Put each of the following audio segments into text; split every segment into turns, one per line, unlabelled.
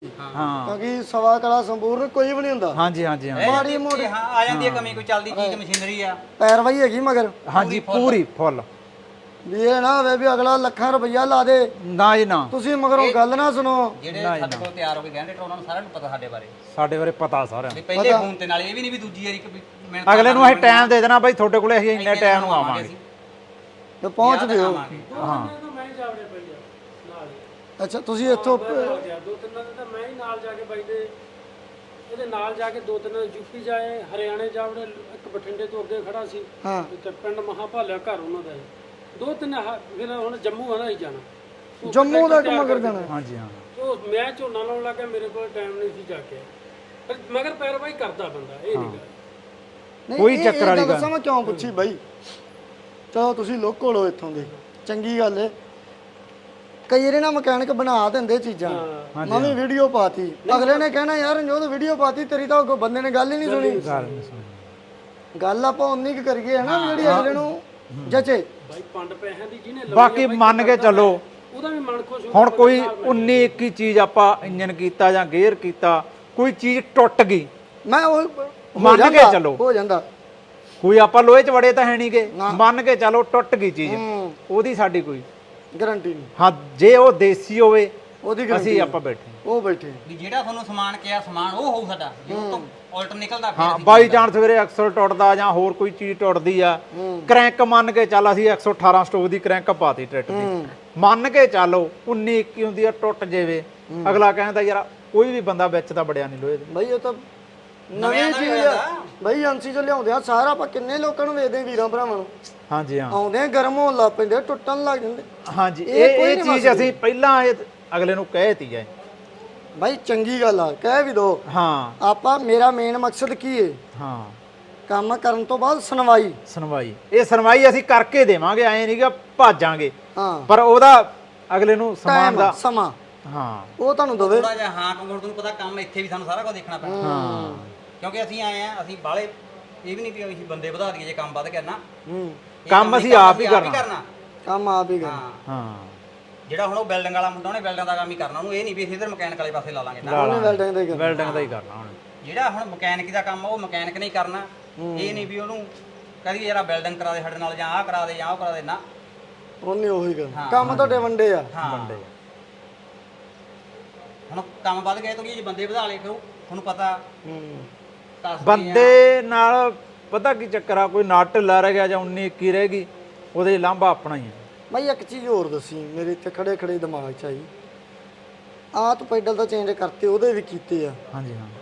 ਹਾਂ
ਕਿਉਂਕਿ ਸਵਾ ਕਲਾ ਸੰਪੂਰਨ ਕੋਈ ਵੀ ਨਹੀਂ ਹੁੰਦਾ।
ਹਾਂਜੀ ਹਾਂਜੀ ਹਾਂ
ਮਾੜੀ ਮੋਟੀ
ਹਾਂ ਆ ਜਾਂਦੀ ਹੈ ਕਮੀ, ਕੋਈ ਚੱਲਦੀ ਚੀਜ਼ ਮਸ਼ੀਨਰੀ ਆ
ਪੈਰਵਾਈ ਹੈਗੀ ਮਗਰ
ਹਾਂਜੀ ਪੂਰੀ ਫੁੱਲ
ਵੀ ਇਹ ਨਾ ਹੋਵੇ ਵੀ ਅਗਲਾ ਲੱਖਾਂ ਰੁਪਈਆ ਲਾ ਦੇ
ਨਾ ਜੀ ਨਾ
ਤੁਸੀਂ ਮਗਰੋਂ ਗੱਲ ਨਾ ਸੁਣੋ।
ਜਿਹੜੇ ਸਾਡੇ ਕੋਲ ਤਿਆਰ ਹੋ ਕੇ ਗਏ ਨੇ ਉਹਨਾਂ ਨੂੰ ਸਾਰਿਆਂ ਨੂੰ ਪਤਾ ਸਾਡੇ ਬਾਰੇ,
ਸਾਡੇ ਬਾਰੇ ਪਤਾ ਸਾਰਿਆਂ
ਵੀ ਪਹਿਲੇ ਫੋਨ ਤੇ ਨਾਲ ਇਹ ਵੀ ਨਹੀਂ ਵੀ ਦੂਜੀ ਵਾਰੀ ਮੈਂ
ਅਗਲੇ ਨੂੰ ਅਸੀਂ ਟਾਈਮ ਦੇ ਦੇਣਾ ਬਾਈ ਤੁਹਾਡੇ ਕੋਲੇ ਅਸੀਂ ਇੰਨੇ ਟਾਈਮ ਨੂੰ ਆਵਾਂਗੇ
ਤੇ ਪਹੁੰਚਦੇ ਹੋ।
ਹਾਂ
ਮੈਂ ਹੀ ਜਾਵੜੇ ਪਈ ਆ ਨਾਲ ਹੀ
ਅੱਛਾ ਤੁਸੀਂ ਇੱਥੋਂ
ਦੋ ਤਿੰਨ ਦਿਨ ਤਾਂ ਮੈਂ ਹੀ ਨਾਲ ਜਾ ਕੇ ਬਾਈ ਦੇ ਇਹਦੇ ਨਾਲ ਜਾ ਕੇ ਦੋ ਤਿੰਨ ਯੂਪੀ ਜਾਏ, ਹਰਿਆਣੇ ਜਾਵੜੇ, ਇੱਕ ਬਠਿੰਡੇ ਤੋਂ ਅੱਗੇ ਖੜਾ ਸੀ
ਹਾਂ
ਤੇ ਪਿੰਡ ਮਹਾਭਾਲਿਆ ਘਰ ਉਹਨਾਂ ਦਾ ਦੋ ਤਿੰਨ ਫਿਰ ਹੁਣ ਜੰਮੂ ਆਣਾ ਹੀ ਜਾਣਾ,
ਜੰਮੂ ਤੱਕ ਮਗਰ ਜਾਣਾ।
ਹਾਂਜੀ ਹਾਂ
ਉਹ ਮੈਂ ਝੋਨਾ ਲਾਉਣ ਲੱਗਾ, ਮੇਰੇ ਕੋਲ ਟਾਈਮ ਨਹੀਂ ਸੀ ਜਾ ਕੇ, ਪਰ ਮਗਰ ਪੈਰਵਾਈ ਕਰਦਾ ਬੰਦਾ, ਇਹ ਨਹੀਂ ਗੱਲ।
ਨਹੀਂ,
ਕੋਈ
ਇਹ-
ਚੱਕਰ
ਇਹ
ਵਾਲੀ
ਗੱਲ
ਗੱਲ
ਦੱਸਾਂ ਮੈਂ ਕਿਉਂ ਪੁੱਛੀ ਬਾਈ। ਚਲੋ ਤੁਸੀਂ ਲੋਕਲ ਹੋ ਇੱਥੋਂ ਦੇ, ਚੰਗੀ ਗੱਲ ਏ। ਕਈ ਵਾਰੀ ਨਾ ਮਕੈਨਿਕ ਬਣਾ ਦਿੰਦੇ ਚੀਜ਼ਾਂ, ਮੈਂ ਵੀ ਵੀਡੀਓ ਪਾਤੀ, ਅਗਲੇ ਨੇ ਕਹਿਣਾ ਯਾਰ ਰਣਜੋਤ ਵੀਡੀਓ ਪਾਤੀ ਤੇਰੀ ਤਾਂ ਕੋਈ ਬੰਦੇ ਨੇ ਗੱਲ ਹੀ ਨਹੀਂ ਸੁਣੀ।
ਗੱਲ ਨਹੀਂ ਸੁਣੀ।
ਗੱਲ ਆਪਾਂ ਉਨੀ ਕੁ ਕਰੀਏ ਹਨਾ ਜਿਹੜੀ ਅਗਲੇ ਨੂੰ ਜਚੇ।
ਬਾਈ ਪੰਡ ਪੈਸਿਆਂ ਦੀ ਜਿਹਨੇ
ਬਾਕੀ ਮੰਨ ਕੇ ਚੱਲੋ
ਉਹਦਾ ਵੀ ਮਨ ਖੁਸ਼ ਹੋ।
ਹੁਣ ਕੋਈ 19 21 ਚੀਜ਼ ਆਪਾਂ ਇੰਜਨ ਕੀਤਾ ਜਾਂ ਗੇਅਰ ਕੀਤਾ, ਕੋਈ ਚੀਜ਼ ਟੁੱਟ ਗਈ,
ਮੈਂ ਉਹ
ਮੰਨ ਕੇ ਚੱਲੋ।
ਹੋ ਜਾਂਦਾ
ਕੋਈ ਆਪਾਂ ਲੋਹੇ 'ਚ ਵੜੇ ਤਾਂ ਹੈ ਨਹੀਂਗੇ, ਮੰਨ ਕੇ ਚੱਲੋ ਟੁੱਟ ਗਈ ਚੀਜ਼, ਉਹਦੀ ਸਾਡੀ ਕੋਈ
ਗਾਰੰਟੀ ਨਹੀਂ।
ਹਾਂ ਜੇ ਉਹ ਦੇਸੀ ਹੋਵੇ
ਉਹਦੀ
ਅਸੀਂ ਆਪਾਂ ਬੈਠੇ
ਉਹ ਬੈਠੇ
ਵੀ ਜਿਹੜਾ ਤੁਹਾਨੂੰ ਸਮਾਨ ਕਿਹਾ ਸਮਾਨ ਉਹ ਹੋਊ ਸਾਡਾ, ਜੇ ਉਹ ਤੋਂ ਉਲਟ ਨਿਕਲਦਾ ਫਿਰ
ਹਾਂ
ਅਸੀਂ
ਬਾਈ ਚਾਂਸ ਸਵੇਰੇ ਐਕਸਲ ਟੁੱਟਦਾ ਜਾਂ ਹੋਰ ਕੋਈ ਚੀਜ਼ ਟੁੱਟਦੀ ਆ, ਕ੍ਰੈਂਕ ਮੰਨ ਕੇ ਚੱਲ ਅਸੀਂ 118 ਸਟੋਕ ਦੀ ਕ੍ਰੈਂਕ ਪਾਤੀ ਟਰੈਕਟਰ ਦੀ, ਮੰਨ ਕੇ ਚੱਲੋ 19 21 ਹੁੰਦੀ ਆ ਟੁੱਟ ਜਾਵੇ, ਅਗਲਾ ਕਹਿੰਦਾ ਯਾਰ ਕੋਈ ਵੀ ਬੰਦਾ ਵਿੱਚ ਤਾਂ ਬੜਿਆ ਨਹੀਂ ਲੋਹੇ ਦੇ।
ਬਈ ਉਹ ਤਾਂ ਨਵੀਂ ਚੀਜ਼ ਆ ਬਈ, ਏਜੰਸੀ ਚੋਂ ਲਿਆਉਂਦੇ ਆ ਸਾਰਾ। ਆਪਾਂ ਕਿੰਨੇ ਲੋਕਾਂ ਨੂੰ ਵੇਚਦੇ ਵੀਰਾਂ ਭਰਾਵਾਂ ਨੂੰ,
ਹਾਂਜੀ ਹਾਂ
ਆਉਂਦੇ ਆ ਗਰਮ ਹੋਣ ਲੱਗ ਪੈਂਦੇ, ਟੁੱਟਣ ਲੱਗ ਜਾਂਦੇ।
ਹਾਂਜੀ ਇਹ ਚੀਜ਼ ਅਸੀਂ ਪਹਿਲਾਂ ਇਹ ਅਗਲੇ ਨੂੰ ਕਹਿਤੀ ਹੈ।
ਬਾਈ ਚੰਗੀ ਗੱਲ ਆ, ਕਹਿ ਵੀ ਦੋ।
ਹਾਂ
ਆਪਾਂ ਮੇਰਾ ਮੇਨ ਮਕਸਦ ਕੀ ਏ,
ਹਾਂ
ਕੰਮ ਕਰਨ ਤੋਂ ਬਾਅਦ ਸੁਣਵਾਈ।
ਸੁਣਵਾਈ, ਇਹ ਸੁਣਵਾਈ ਅਸੀਂ ਕਰਕੇ ਦੇਵਾਂਗੇ, ਐ ਨਹੀਂਗਾ ਭਾਜਾਂਗੇ,
ਹਾਂ
ਪਰ ਉਹਦਾ ਅਗਲੇ ਨੂੰ ਸਮਾਨ
ਟਾਈਮ
ਦਾ
ਸਮਾਂ
ਹਾਂ
ਉਹ ਤੁਹਾਨੂੰ ਦਵੇ।
ਥੋੜਾ ਜਿਹਾ ਹਾਂ ਕੰਗੋੜ ਤੁਹਾਨੂੰ ਪਤਾ ਕੰਮ ਇੱਥੇ ਵੀ ਸਾਨੂੰ ਸਾਰਾ ਕੁਝ ਦੇਖਣਾ ਪੈਣਾ,
ਹਾਂ
ਕਿਉਂਕਿ ਅਸੀਂ ਆਏ ਆ, ਅਸੀਂ ਬਾਹਲੇ ਇਹ ਵੀ ਨਹੀਂ ਵੀ ਅਸੀਂ ਬੰਦੇ ਵਧਾ ਦਈਏ ਜੇ ਕੰਮ ਵੱਧ ਗਿਆ ਨਾ, ਇਹ
ਕੰਮ ਅਸੀਂ ਆਪ ਹੀ ਕਰਨਾ।
ਕੰਮ ਆਪ ਹੀ ਕਰ।
ਹਾਂ
ਹਾਂ
ਜਿਹੜਾ ਹੁਣ ਉਹ ਬਿਲਡਿੰਗ ਵਾਲਾ ਮੁੰਡਾ ਉਹਨੇ ਬਿਲਡਿੰਗ ਦਾ ਕੰਮ ਹੀ ਕਰਨਾ, ਉਹਨੂੰ ਇਹ ਨਹੀਂ ਵੀ ਅਸੀਂ ਇਧਰ ਮਕੈਨਿਕ ਵਾਲੇ ਪਾਸੇ ਲਾ ਲਾਂਗੇ ਨਾ।
ਉਹਨੇ ਵੈਲਡਿੰਗ ਦੇ ਕਰ।
ਵੈਲਡਿੰਗ ਦਾ ਹੀ ਕਰਨਾ ਹੁਣ।
ਜਿਹੜਾ ਹੁਣ ਮਕੈਨਿਕ ਦਾ ਕੰਮ ਉਹ ਮਕੈਨਿਕ ਨਹੀਂ ਕਰਨਾ, ਇਹ ਨਹੀਂ ਵੀ ਉਹਨੂੰ ਕਹਦੀ ਯਾਰ ਬਿਲਡਿੰਗ ਕਰਾ ਦੇ ਸਾਡੇ ਨਾਲ, ਜਾਂ ਆਹ ਕਰਾ ਦੇ ਜਾਂ ਉਹ ਕਰਾ ਦੇ, ਨਾ
ਉਹਨੇ ਉਹੀ ਕਰ। ਕੰਮ ਤੁਹਾਡੇ ਵੰਡੇ ਆ।
ਹਾਂ
ਬੰਦੇ
ਹੁਣ ਕੰਮ ਵੱਧ ਗਏ ਤਾਂ ਜੇ ਬੰਦੇ ਵਧਾ ਲਏ ਫਿਰ ਤੁਹਾਨੂੰ ਪਤਾ
ਬੰਦੇ ਨਾਲ ਪਤਾ ਕੀ ਚੱਕਰ ਆ, ਕੋਈ ਨਟ ਢਿੱਲਾ ਰਹਿ ਗਿਆ ਜਾਂ 19 21 ਰਹਿ ਗਈ, ਉਹਦੇ ਲਾਂਭਾ ਆਪਣਾ ਹੀ ਹੈ।
ਬਾਈ ਇੱਕ ਚੀਜ਼ ਹੋਰ ਦੱਸੀ, ਮੇਰੇ ਇੱਥੇ ਖੜੇ ਖੜੇ ਦਿਮਾਗ 'ਚ ਆਈ। ਆਹ ਤੂੰ ਪੈਡਲ ਤਾਂ ਚੇਂਜ ਕਰਤੇ, ਉਹਦੇ ਵੀ ਕੀਤੇ ਆ।
ਹਾਂਜੀ ਹਾਂ